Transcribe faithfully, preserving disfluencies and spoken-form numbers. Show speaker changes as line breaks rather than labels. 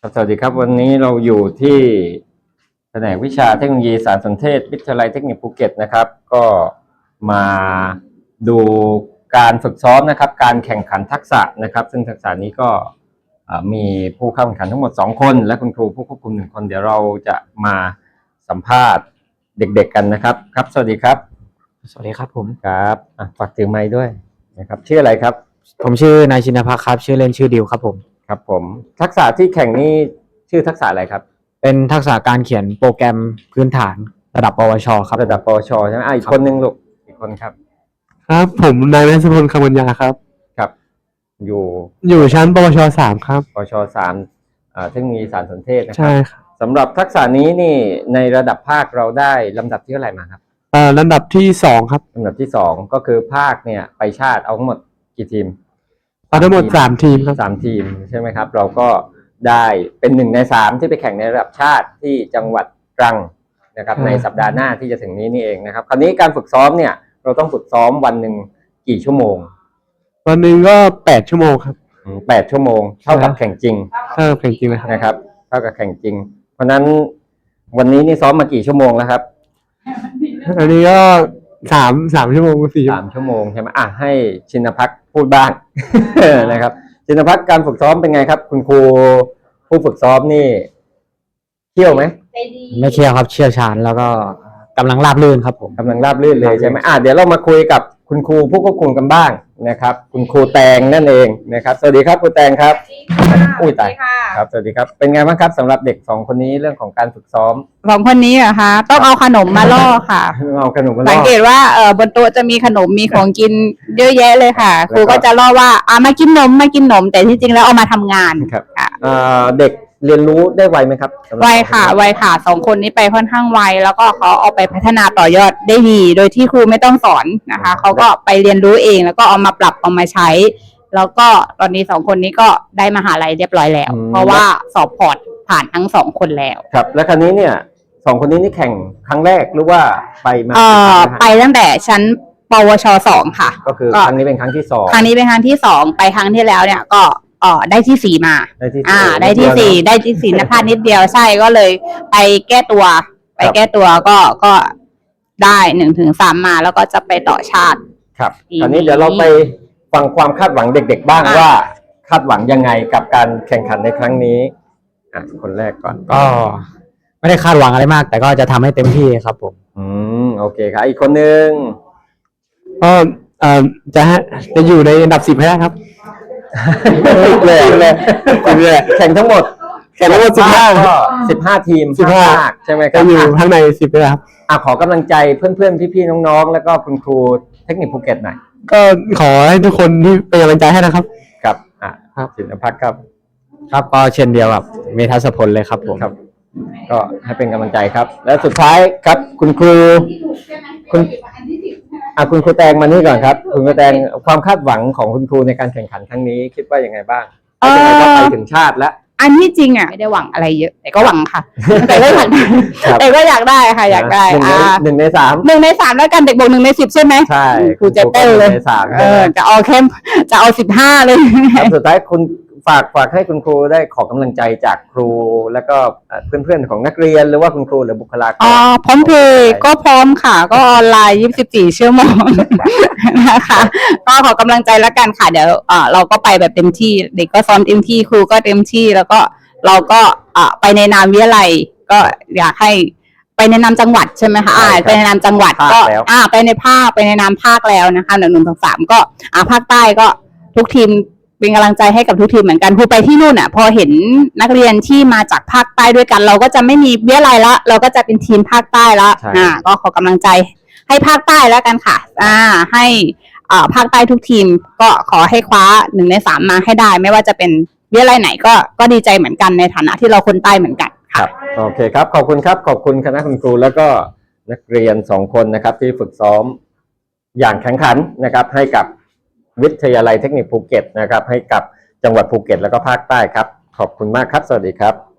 ครับสวัสดีครับวันนี้เราอยู่ที่แผนกวิชาเทคโนโลยีสารสนเทศวิทยาลัยเทคนิคภูเก็ตนะครับก็มาดูการฝึกซ้อมนะครับการแข่งขันทักษะนะครับซึ่งทักษะนี้ก็มีผู้เข้าแข่งขันทั้งหมดสองคนและคุณครูผู้ควบคุมหนึ่งคนเดี๋ยวเราจะมาสัมภาษณ์เด็กๆกันนะครับครับสวัสดีครับ
สวัสดีครับผม
ครับฝากถือไมค์ด้วยนะครับชื่ออะไรครับ
ผมชื่อนายชินภักดิ์ครับชื่อเล่นชื่อดิวครับผม
ครับผมทักษะที่แข่งนี้ชื่อทักษะอะไรครับ
เป็นทักษะการเขียนโปรแกรมพื้นฐานระดับปวชครับ
ระดับปวชใช่ไหมอีกคนนึงลูกอีกคนครับ
ครับผมนายแมสพลคำวัญญาครับ
ครับอยู่
อยู่ชั้นปวชสามครับ
ปวชสามเทคโนโลยีสารสนเทศนะครั
ใช่ครับ
สำหรับทักษะนี้นี่ในระดับภาคเราได้ลำดับที่เท่าไหร่มาครับ
เอ่อลำดับที่สองครับ
ลำดับที่สองก็คือภาคเนี่ยไปชาติเอาทั้งหมดกี่ทีม
เอาทั้งหมดสามทีมครับ
สามทีมใช่ไหมครับเราก็ได้เป็นหนึ่งในสามที่ไปแข่งในระดับชาติที่จังหวัดตรังนะครับในสัปดาห์หน้าที่จะถึงนี้นี่เองนะครับคราวนี้การฝึกซ้อมเนี่ยเราต้องฝึกซ้อมวันหนึ่งกี่ชั่วโมง
วันหนึ่งก็แปดชั่วโมงครับ
แปดชั่วโมงเท่ากับแข่งจริง
เท่ากับแข่งจริง
นะครับเท่ากับแข่งจริงเพราะนั้นวันนี้นี่ซ้อมมากี่ชั่วโมงแล้วครับ
อันนี้ก็สามสามชั่วโมงสี่
สามชั่วโมงใช่ไหมอ่ะให้ชินภักดิ์พูดบ้าง นะครับชินภักดิ์การฝึกซ้อมเป็นไงครับคุณครูผู้ฝึกซ้อมนี่เที่ยวไหม
ไม่เที่ยวครับเชี่ยวชาญแล้วก็กำลังราบรื่นครับผม
กำลังราบรื่นเลยใช่ไหมอ่ะเดี๋ยวเรามาคุยกับคุณครูผู้ควบคุมกันบ้างนะครับคุณครูแตงนั่นเองนะครับสวัสดีครับครูแตงครับอุ้ยตายครับสวัสดีครับเป็นไงบ้างครับสำหรับเด็กสองคนนี้เรื่องของการฝึกซ้อม
สองคนนี้เหรอคะต้องเอาขนมมาล่อค่ะ
เอาขนมมาล่อ
สังเกตว่าเออบนโต๊ะจะมีขนมมีของกินเยอะแยะเลยค่ะครูก็จะล่อว่าอ่ามากินนมมากินนมแต่ที่จริงแล้วเอามาทำงาน
ครับเด็กเรียนรู้ได้ไวไหมครับ
ไวค่ะไวค่ะสองคนนี้ไปค่อนข้างไวแล้วก็เขาเอาไปพัฒนาต่อยอดได้ดีโดยที่ครูไม่ต้องสอนนะคะเขาก็ไปเรียนรู้เองแล้วก็เอามาปรับเอามาใช้แล้วก็ตอนนี้สองคนนี้ก็ได้มหาลัยเรียบร้อยแล้วเพราะว่าสอบพอร์ตผ่านทั้งสองคนแล้ว
ครับและคราวนี้เนี่ยสองคนนี้นี่แข่งครั้งแรกหรือว่าไปมา
เอ่อไปตั้งแต่ชั้นปวชสองค่ะ
ก็คือครั้งนี้เป็นครั้งที่สอง
ครั้งนี้เป็นครั้งที่สองไปครั้งที่แล้วเนี่ยก็อ๋อได้ที่สี่มา
ได้ที่
อ่าได้ที่สี่ได้ที่สี่นะพลาดนิดเดียวใช่ก็เลยไปแก้ตัวไปแก้ตัวก็ก็ได้หนึ่งถึงสามมาแล้วก็จะไปต่อชาติ
ครับคราวนี้เดี๋ยวเราไปฟังความคาดหวังเด็กๆบ้างว่าคาดหวังยังไงกับการแข่งขันในครั้งนี้อ่ะคนแรกก่อน
ก็ไม่ได้คาดหวังอะไรมากแต่ก็จะทำให้เต็มที่ครับผม
อืมโอเคครับอีกคนนึง
ก็เอ่อจะจะอยู่ในอันดับสิบให้ได้ครับ
เลยเลยเลยแข่งทั้งหมด
แข่งทั้งหมดสิบห้า
สิบห้าทีม
สิบห้า
ใช่ไหมครับ
จะอยู่ข้างในสิบเลยครับ
อ่ะขอกำลังใจเพื่อนๆพี่ๆน้องๆแล้วก็คุณครูเทคนิคภูเก็ตหน่อย
ก็ขอให้ทุกคนที่เป็นกำลังใจให้นะครับ
ครับอ่ะครับศิลภักดิ์ครับ
ครับก็เช่นเดียวกับเมทัศพลเลยครับผม
ครับก็ให้เป็นกำลังใจครับและสุดท้ายครับคุณครูคุณอ่ะคุณครูแตงมานี่ก่อนครับคุณครูแตงความคาดหวังของคุณครูในการแข่งขันครั้งนี้คิดว่ายังไงบ้างเป็นไงก็ไปถึงชาติแล้ว
อันที่จริงอ่ะไม่ได้หวังอะไรเยอะแต่ก็หวังค่ะแต่ก็อยากแต่ก็อยากได้ค่ะอยากได้
อ่าหนึ่งในสาม
หนึ่งในสามแล้วกันเด็กบอกหนึ่งในสิบใช่ไหม
ใช่
ครูจะเต้นเลยเออจะเอาเข้มจะเอาสิบห้าเลย
สุดท้ายคุณฝากฝากให้คุณครูได้ขอกำลังใจจากครูแล้วก็เพื่อนๆของนักเรียนหรือว่าคุณครูหรือบุคลากร
อ๋อพร้อมเพย์ก็พร้อมค่ะก็ออนไลน์ยี่สิบสี่ชั่วโมงนะคะก็ขอกำลังใจแล้วกันค่ะเดี๋ยวอ่าเราก็ไปแบบเต็มที่เด็กก็ซ้อมเต็มที่ครูก็เต็มที่แล้วก็เราก็อ่าไปในนามวิทยาลัยก็อยากให้ไปในนามจังหวัดใช่ไหมคะอ่าไปในนามจังหวัดก็อ่าไปในภาคไปในนามภาคแล้วนะคะหนึ่งหนึ่งสองสามก็อ่าภาคใต้ก็ทุกทีมเป็นกำลังใจให้กับทุกทีมเหมือนกันครูไปที่นู่นอ่ะพอเห็นนักเรียนที่มาจากภาคใต้ด้วยกันเราก็จะไม่มีวิทยาลัยละเราก็จะเป็นทีมภาคใต้ละอ่าก็ขอกำลังใจให้ภาคใต้แล้วกันค่ะอ่าให้อ่าภาคใต้ทุกทีมก็ขอให้คว้าหนึ่งในสามมาให้ได้ไม่ว่าจะเป็นวิทยาลัยไหนก็ก็ดีใจเหมือนกันในฐานะที่เราคนใต้เหมือนกัน
ครับโอเคครับขอบคุณครับขอบคุณคณะคุณครูแล้วก็นักเรียนสองคนนะครับที่ฝึกซ้อมอย่างแข็งขันนะครับให้กับวิทยาลัยเทคนิคภูเก็ตนะครับให้กับจังหวัดภูเก็ตแล้วก็ภาคใต้ครับขอบคุณมากครับสวัสดีครับ